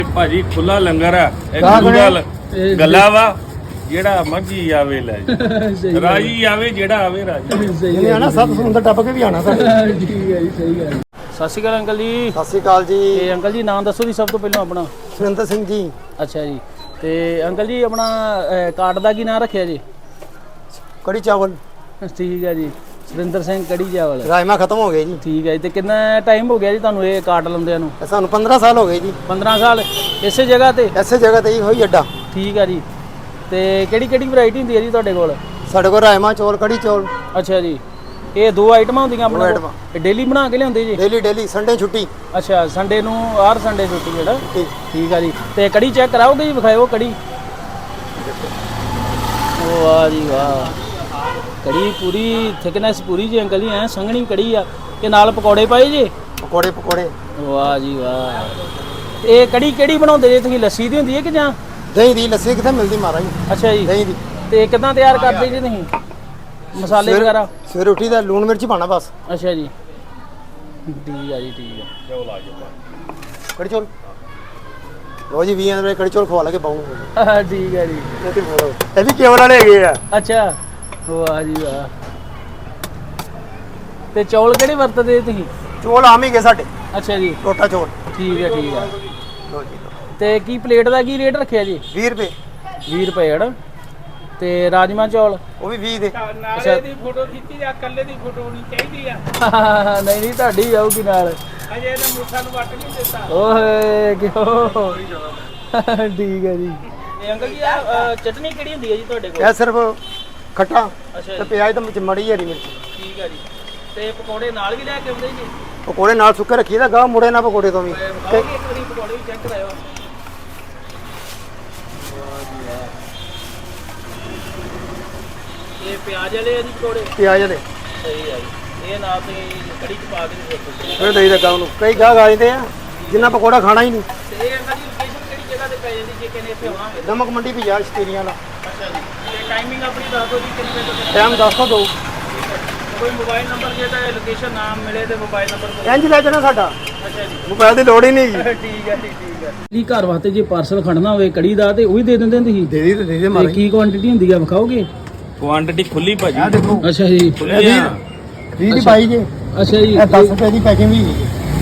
ਭਾਜੀ ਖੁੱਲਾ ਲੰਗਰ ਆ ਇੱਕ ਗੱਲ ਗੱਲਾਂ ਵਾ ਜਿਹੜਾ ਮਰਜੀ ਆਵੇ ਲੈ ਜੀ ਰਾਜੀ ਆਵੇ ਜਿਹੜਾ ਆਵੇ ਰਾਜੀ ਜਿਹਨੇ ਆਣਾ ਸਭ ਸਮੁੰਦਰ ਟੱਪ ਕੇ ਵੀ ਆਣਾ ਸਾਡੇ। ਠੀਕ ਹੈ ਜੀ, ਸਹੀ ਗੱਲ। ਸਤਿ ਸ਼੍ਰੀ ਅਕਾਲ ਅੰਕਲ ਜੀ। ਸਤਿ ਸ਼੍ਰੀ ਅਕਾਲ ਜੀ। ਤੇ ਅੰਕਲ ਜੀ ਨਾਮ ਦੱਸੋ ਜੀ ਸਭ ਤੋਂ ਪਹਿਲਾਂ ਆਪਣਾ। ਸੁਰਿੰਦਰ ਸਿੰਘ ਜੀ। ਅੱਛਾ ਜੀ। ਤੇ ਅੰਕਲ ਜੀ ਆਪਣਾ ਕਾਰਡ ਦਾ ਕੀ ਨਾਮ ਰੱਖਿਆ ਜੀ? ਕੜੀ ਚਾਵਲ। ਠੀਕ ਹੈ ਜੀ, ਸੁਰਿੰਦਰ ਸਿੰਘ ਕੜੀ ਚਾਵਲ। ਰਾਜਮਾ ਖਤਮ ਹੋ ਗਏ ਜੀ। ਠੀਕ ਹੈ ਜੀ। ਤੇ ਕਿੰਨਾ ਟਾਈਮ ਹੋ ਗਿਆ ਜੀ ਤੁਹਾਨੂੰ ਇਹ ਕਾਰਡ ਲਾਉਂਦਿਆਂ ਨੂੰ? ਸਾਨੂੰ 15 ਸਾਲ ਹੋ ਗਏ ਜੀ। 15 ਸਾਲ ਇਸੇ ਜਗ੍ਹਾ ਤੇ? ਐਸੇ ਜਗ੍ਹਾ ਤੇ ਹੀ ਹੋਈ ਅੱਡਾ। ਠੀਕ ਹੈ ਜੀ। ਤੇ ਕਿਹੜੀ ਕਿਹੜੀ ਵੈਰਾਈਟੀ ਹੁੰਦੀ ਹੈ ਜੀ ਤੁਹਾਡੇ ਕੋਲ? ਸਾਡੇ ਕੋਲ ਰਾਜਮਾ ਚੌਲ, ਕੜੀ ਚੌਲ। ਅੱਛਾ ਜੀ। ਇਹ ਦੋ ਆਈਟਮਾਂ ਹੁੰਦੀਆਂ ਆਪਣੇ ਕੋਲ? ਇਹ ਡੇਲੀ ਬਣਾ ਕੇ ਲਿਆਉਂਦੇ ਜੀ? ਡੇਲੀ ਸੰਡੇ ਛੁੱਟੀ। ਅੱਛਾ, ਸੰਡੇ ਨੂੰ ਹਰ ਸੰਡੇ ਛੁੱਟੀ ਜਿਹੜਾ। ਠੀਕ ਆ ਜੀ। ਤੇ ਕੜੀ ਚੈੱਕ ਕਰਾਓਗੇ ਜੀ? ਵਿਖਾਇਓ ਕੜੀ। ਵਾਹ ਜੀ ਵਾਹ, ਕੜੀ ਪੂਰੀ ਥਿਕਨੈਸ ਪੂਰੀ ਜੀ ਅੰਕਲ ਜੀ, ਐ ਸੰਘਣੀ ਕੜੀ ਆ। ਤੇ ਨਾਲ ਪਕੌੜੇ ਪਾਏ ਜੀ? ਪਕੌੜੇ। ਵਾਹ ਜੀ ਵਾਹ। ਇਹ ਕੜੀ ਕਿਹੜੀ ਬਣਾਉਂਦੇ ਜੀ ਤੁਸੀਂ? ਲੱਸੀ ਦੀ ਹੁੰਦੀ ਹੈ ਕਿ ਜਾਂ ਦਹੀਂ ਦੀ? ਲੱਸੀ ਕਿੱਥੇ ਮਿਲਦੀ ਮਹਾਰਾਜ? ਅੱਛਾ ਜੀ, ਦਹੀਂ ਦੀ। ਤੇ ਕਿੱਦਾਂ ਤਿਆਰ ਕਰਦੇ ਜੀ ਤੁਸੀਂ ਮਸਾਲੇ ਵਗੈਰਾ? ਸਵੇਰੇ ਉੱਠੀ ਦਾ ਲੂਣ ਮਿਰਚ ਪਾਣਾ ਬਸ। ਅੱਛਾ ਜੀ, ਠੀਕ ਆ ਜੀ, ਠੀਕ ਆ। ਕੜੀ ਚੌਲ ਲੋ ਜੀ, 20 ਰੁਪਏ ਕੜੀ ਚੌਲ ਖਵਾ ਲਾ ਕੇ ਪਾਉਂਗੇ। ਠੀਕ ਆ ਜੀ। ਇਹ ਵੀ ਕੇਵਲ ਵਾਲੇ ਹੈਗੇ ਆ। ਅੱਛਾ, ਵਾਹ ਜੀ ਵਾਹ। ਤੇ ਚੌਲ ਕਿਹੜੇ ਵਰਤਦੇ ਤੁਸੀਂ? ਚੌਲ ਆਮ ਹੀ ਗਏ ਸਾਡੇ। ਅੱਛਾ ਜੀ, ਟੋਟਾ ਚੌਲ। ਠੀਕ ਹੈ, ਠੀਕ ਆ। ਲੋ ਜੀ। ਤੇ ਕੀ ਪਲੇਟ ਦਾ ਕੀ ਰੇਟ ਰੱਖਿਆ ਜੀ? 20 ਰੁਪਏ। 20 ਰੁਪਏ ਹੜ। ਤੇ ਰਾਜਮਾ ਚੌਲ? ਉਹ ਵੀ 20 ਦੇ। ਨਾਲੇ ਦੀ ਫੋਟੋ ਖਿੱਚੀ ਜਾਂ ਇਕੱਲੇ ਦੀ ਫੋਟੋ ਹੋਣੀ ਚਾਹੀਦੀ ਆ? ਨਹੀਂ ਨਹੀਂ, ਤੁਹਾਡੀ ਆਊਗੀ ਨਾਲ। ਅਜੇ ਇਹਨੇ ਮੁੱਠਾਂ ਨੂੰ ਵੱਟ ਨਹੀਂ ਦਿੱਤਾ। ਓਏ ਕਿਉਂ? ਠੀਕ ਹੈ ਜੀ। ਤੇ ਅੰਕਲ ਜੀ ਆ ਚਟਨੀ ਕਿਹੜੀ ਹੁੰਦੀ ਹੈ ਜੀ ਤੁਹਾਡੇ ਕੋਲ? ਇਹ ਸਿਰਫ ਖੱਟਾ ਅੱਛਾ ਤੇ ਜੀ, ਪਿਆਜ਼ ਤੇ ਵਿੱਚ ਮੜੀ ਹਰੀ ਮਿਰਚ। ਠੀਕ ਹੈ ਜੀ। ਤੇ ਪਕੌੜੇ ਨਾਲ ਵੀ ਲੈ ਕੇ ਆਉਂਦੇ ਜੀ? ਪਕੌੜੇ ਨਾਲ ਸੁੱਕੇ ਰੱਖੀਦਾ ਗਾ, ਮੁੜੇ ਨਾ ਪਕੌੜੇ ਤੋਂ ਵੀ। ਵਿਖਾਓਗੇ ਇੱਕ ਵਾਰੀ ਪਕੌੜੇ ਵੀ ਚੈੱਕ ਕਰਾਇਓ। ਇਹ ਪਿਆਜ਼ ਵਾਲੇ ਆ ਜੀ ਪਕੌੜੇ? ਪਿਆਜ਼ ਦੇ ਸਹੀ ਆ ਜੀ। ਇਹ ਨਾਲ ਤੇ ਕੜੀ ਚ ਪਾ ਕੇ ਦੇ ਦਿਓ। ਫਿਰ ਦਈ ਦਾ ਉਹਨੂੰ ਕਈ ਗਾਹਕ ਆ ਜਾਂਦੇ ਆ ਜਿੰਨਾ ਪਕੌੜਾ ਖਾਣਾ ਹੀ ਨਹੀਂ। ਤੇ ਇਹ ਅੰਕਲ ਜੀ ਲੋਕੇਸ਼ਨ ਕਿਹੜੀ ਜਗ੍ਹਾ ਤੇ ਪੈ ਜਾਂਦੀ ਜੇ ਕਿਨੇ ਇੱਥੇ ਆਵਾਂਗੇ? ਨਮਕ ਮੰਡੀ ਬਾਜ਼ਾਰ ਸ਼ਤੀਰੀਆਂ ਵਾਲਾ। ਅੱਛਾ ਜੀ। ਤੇ ਟਾਈਮਿੰਗ ਆਪਣੀ ਦੱਸ ਦਿਓ ਜੀ, ਕਿੰਨੇ ਵਜੇ ਤੋਂ ਕਿੰਨੇ? ਟਾਈਮ ਦੱਸ ਦੋ। ਕੋਈ ਮੋਬਾਈਲ ਨੰਬਰ ਜੇ ਤਾਂ ਲੋਕੇਸ਼ਨ ਨਾਮ ਮਿਲੇ ਤੇ ਮੋਬਾਈਲ ਨੰਬਰ? ਇੰਜ ਲੈ ਜਾਣਾ ਸਾਡਾ। ਅੱਛਾ ਜੀ, ਮੋਬਾਈਲ ਦੀ ਲੋੜ ਹੀ ਨਹੀਂ ਜੀ। ਠੀਕ ਹੈ ਜੀ, ਠੀਕ ਹੈ ਜੀ। ਘਰ ਵਾਸਤੇ ਜੇ ਪਾਰਸਲ ਖੜਨਾ ਹੋਵੇ ਕੜੀ ਦਾ ਤੇ ਉਹ ਵੀ ਦੇ ਦਿੰਦੇ ਤੁਸੀਂ? ਦੇ ਦੀ ਤੇ ਦੇ ਦੇ ਤੇ ਮਾਰੇ। ਕੀ ਕੁਆਂਟੀਟੀ ਹੁੰਦੀ ਆ ਵਿਖਾਓਗੇ? ਕੁਆਂਟੀਟੀ ਖੁੱਲੀ ਭਾਜੀ। ਆ ਦੇਖੋ ਅੱਛਾ ਜੀ। ਖੁੱਲੀ ਆ। 20 ਦੀ ਪਾਈ ਜੇ। ਅੱਛਾ ਜੀ। ਇਹ 10 ਰੁਪਏ ਦੀ ਪੈਕਿੰਗ ਵੀ।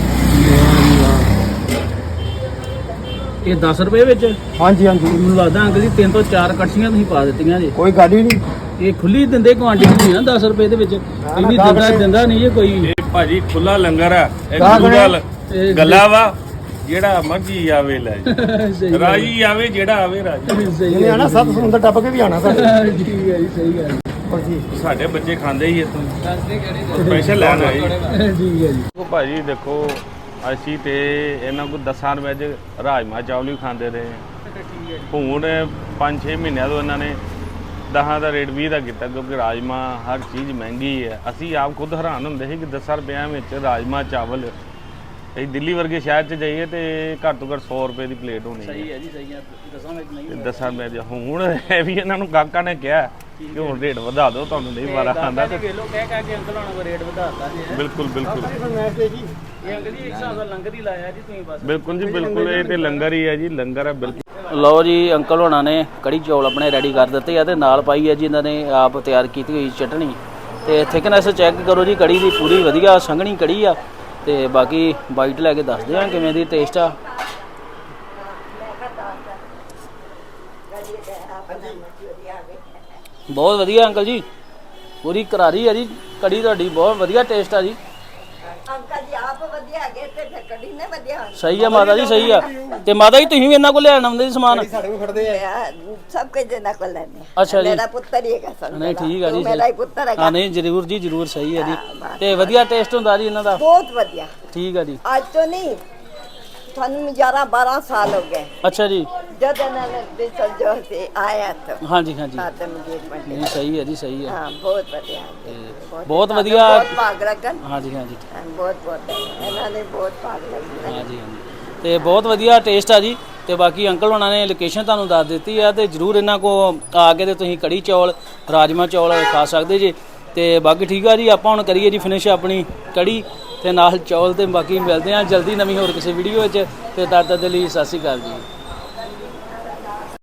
ਇਹ 10 ਰੁਪਏ ਵਿੱਚ? ਹਾਂਜੀ ਮੈਨੂੰ ਲੱਗਦਾ ਅੰਕਲ ਜੀ 3 ਤੋਂ 4 ਕੜਛੀਆਂ ਤੁਸੀਂ ਪਾ ਦਿੱਤੀਆਂ ਜੀ। ਕੋਈ ਗੱਲ ਹੀ ਨਹੀਂ। ਇਹ ਖੁੱਲੀ ਦਿੰਦੇ ਕੁਆਂਟੀਟੀ ਨਹੀਂ ਨਾ 10 ਰੁਪਏ ਦੇ ਵਿੱਚ? ਇੰਨੀ ਦਿੰਦਾ ਨਹੀਂ ਇਹ ਕੋਈ। ਇਹ ਭਾਜੀ ਖੁੱਲਾ ਲੰਗਰ ਆ ਇੱਕ ਗੱਲ ਗੱਲਾਂ ਵਾ ਜਿਹੜਾ ਮਰਜੀ ਆਵੇ ਲੈ ਜੀ ਰਾਜੀ ਆਵੇ ਜਿਹੜਾ ਆਵੇ ਰਾਜੀ ਜਿਹਨੇ ਆਣਾ ਸਭ ਸਮੁੰਦਰ ਟੱਪ ਕੇ ਵੀ ਆਣਾ ਸਾਡੇ। ਠੀਕ ਹੈ ਜੀ, ਸਹੀ ਗੱਲ। ਸਾਡੇ ਬੱਚੇ ਖਾਂਦੇ ਹੀ ਇੱਥੋਂ ਸਪੈਸ਼ਲ ਲੈਣ ਆਏ। ਠੀਕ ਹੈ ਜੀ। ਦੇਖੋ ਭਾਜੀ, ਦੇਖੋ ਅਸੀਂ ਤੇ ਇਹਨਾਂ ਕੋਲ 10 ਰੁਪਏ 'ਚ ਰਾਜਮਾ ਚਾਵਲ ਵੀ ਖਾਂਦੇ ਰਹੇ। ਹੁਣ 5-6 ਮਹੀਨਿਆਂ ਤੋਂ ਇਹਨਾਂ ਨੇ 10 ਦਾ ਰੇਟ 20 ਦਾ ਕੀਤਾ, ਕਿਉਂਕਿ ਰਾਜਮਾ ਹਰ ਚੀਜ਼ ਮਹਿੰਗੀ ਹੈ। ਅਸੀਂ ਆਪ ਖੁਦ ਹੈਰਾਨ ਹੁੰਦੇ ਸੀ ਕਿ 10 ਰੁਪਇਆਂ ਵਿੱਚ ਰਾਜਮਾ ਚਾਵਲ। ਅਸੀਂ ਦਿੱਲੀ ਵਰਗੇ ਸ਼ਹਿਰ 'ਚ ਜਾਈਏ ਤੇ ਘੱਟ ਤੋਂ ਘੱਟ 100 ਰੁਪਏ ਦੀ ਪਲੇਟ ਹੋਣੀ ਹੈ। ਸਹੀ ਹੈ ਜੀ, ਸਹੀ ਹੈ। 10 ਵਿੱਚ ਨਹੀਂ। 10 ਰੁਪਏ ਦੀ ਹੁਣ ਇਹ ਵੀ ਇਹਨਾਂ ਨੂੰ ਕਾਕਾ ਨੇ ਕਿਹਾ ਕਿ ਹੁਣ ਰੇਟ ਵਧਾ ਦਿਓ, ਤੁਹਾਨੂੰ ਨਹੀਂ ਵਾਰਾ ਖਾਂਦਾ। ਤੇ ਵੇਲੋ ਕਹਿ ਕੇ ਅੰਕਲ ਹੋਣਾ ਕੋ ਰੇਟ ਵਧਾਤਾ ਜੀ। ਬਿਲਕੁਲ ਬਿਲਕੁਲ ਇਹ ਅੰਕਲ ਜੀ ਇੱਕ ਹਿਸਾਬ ਦਾ ਲੰਗਰ ਹੀ ਲਾਇਆ ਜੀ ਤੁਸੀਂ ਬਸ। ਬਿਲਕੁਲ ਜੀ, ਬਿਲਕੁਲ ਇਹ ਤੇ ਲੰਗਰ ਹੀ ਹੈ ਜੀ, ਲੰਗਰ ਹੈ ਬਿਲਕੁਲ। ਲਓ ਜੀ, ਅੰਕਲ ਹੋਣਾ ਨੇ ਕੜੀ ਚੌਲ ਆਪਣੇ ਰੈਡੀ ਕਰ ਦਿੱਤੇ ਆ ਤੇ ਨਾਲ ਪਾਈ ਹੈ ਜੀ ਇਹਨਾਂ ਨੇ ਆਪ ਤਿਆਰ ਕੀਤੀ ਹੋਈ ਚਟਣੀ। ਤੇ ਥਿਕਨੈਸ ਚੈੱਕ ਕਰੋ ਜੀ ਕੜੀ ਦੀ, ਪੂਰੀ ਵਧੀਆ ਸੰਘਣੀ ਕੜੀ ਆ। ਤੇ ਬਾਕੀ ਬਾਈਟ ਲੈ ਕੇ ਦੱਸਦੇ ਆ ਕਿਵੇਂ ਦੀ ਟੇਸਟ ਆ। ਬਹੁਤ ਵਧੀਆ ਅੰਕਲ ਜੀ, ਪੂਰੀ ਕਰਾਰੀ ਆ ਜੀ ਕੜੀ ਤੁਹਾਡੀ, ਬਹੁਤ ਵਧੀਆ ਟੇਸਟ ਆ ਜੀ। ਅੰਕਲ ਜੀ ਆਪ ਵਧੀਆ ਹੈਗੇ ਤੇ ਫਿਰ ਕੜੀ ਨੇ ਵਧੀਆ ਹੋਣੀ। ਸਹੀ ਆ ਮਾਤਾ ਜੀ, ਸਹੀ ਆ। ਤੇ ਮਾਤਾ ਜੀ ਤੁਸੀਂ ਵੀ ਇਹਨਾਂ ਕੋਲ ਲੈਣ ਆਉਂਦੇ ਜੀ ਸਮਾਨ? ਸਾਡੇ ਕੋਲ ਖੜਦੇ ਆ। ਸਭ ਕੁਝ ਦੇਣਾ ਕੋਲ ਲੈਣੇ। ਅੱਛਾ ਜੀ। ਮੇਰਾ ਪੁੱਤਰ ਹੀ ਹੈਗਾ ਸਰ। ਨਹੀਂ ਠੀਕ ਆ ਜੀ, ਮੇਰਾ ਹੀ ਪੁੱਤਰ ਹੈਗਾ। ਹਾਂ ਨਹੀਂ ਜ਼ਰੂਰ ਜੀ, ਜ਼ਰੂਰ, ਸਹੀ ਹੈ ਜੀ। ਤੇ ਵਧੀਆ ਟੇਸਟ ਹੁੰਦਾ ਜੀ ਇਹਨਾਂ ਦਾ? ਬਹੁਤ ਵਧੀਆ। ਠੀਕ ਆ ਜੀ। ਅੱਜ ਤੋਂ ਨਹੀਂ, ਤੁਹਾਨੂੰ 11-12 ਸਾਲ ਹੋ ਗਏ ਅੱਛਾ ਜੀ। ਜਦ ਇਹਨਾਂ ਨੇ ਬਿਸਲ ਜੋ ਸੀ ਆਇਆ ਤਾਂ। ਹਾਂਜੀ ਹਾਂਜੀ, ਆਦਮ engagement ਨਹੀਂ ਸਹੀ ਹੈ ਜੀ, ਸਹੀ ਹੈ। ਹਾਂ ਬਹੁਤ ਵਧੀਆ। ਬਹੁਤ ਵਧੀਆ। ਬਹੁਤ ਭਾਗ ਲੱਗਣ। ਹਾਂਜੀ ਹਾਂਜੀ, ਬਹੁਤ ਇਹਨਾਂ ਨੇ ਬਹੁਤ ਭਾਗ ਲੱਗਣ। ਹਾਂਜੀ ਹਾਂਜੀ। ਤੇ ਬਹੁਤ ਵਧੀਆ ਟੇਸਟ ਆ ਜੀ। ਤੇ ਬਾਕੀ ਅੰਕਲ ਹੋਣਾ ਨੇ ਲੋਕੇਸ਼ਨ ਤੁਹਾਨੂੰ ਦੱਸ ਦਿੱਤੀ ਆ ਤੇ ਜਰੂਰ ਇਹਨਾਂ ਕੋ ਆ ਕੇ ਤੇ ਤੁਸੀਂ ਕੜੀ ਚੌਲ, ਰਾਜਮਾ ਚੌਲ ਖਾ ਸਕਦੇ ਜੀ। ਤੇ ਬਾਕੀ ਠੀਕ ਆ ਜੀ, ਆਪਾਂ ਹੁਣ ਕਰੀਏ ਜੀ ਫਿਨਿਸ਼ ਆਪਣੀ ਕੜੀ ਤੇ ਨਾਲ ਚੌਲ ਤੇ ਬਾਕੀ ਮਿਲਦੇ ਆ ਜਲਦੀ ਨਵੀਂ ਹੋਰ ਕਿਸੇ ਵੀਡੀਓ ਵਿੱਚ ਤੇ ਤਦ ਤੱਕ ਦੇ ਲਈ ਸਤਿ ਸ਼੍ਰੀ ਅਕਾਲ ਜੀ।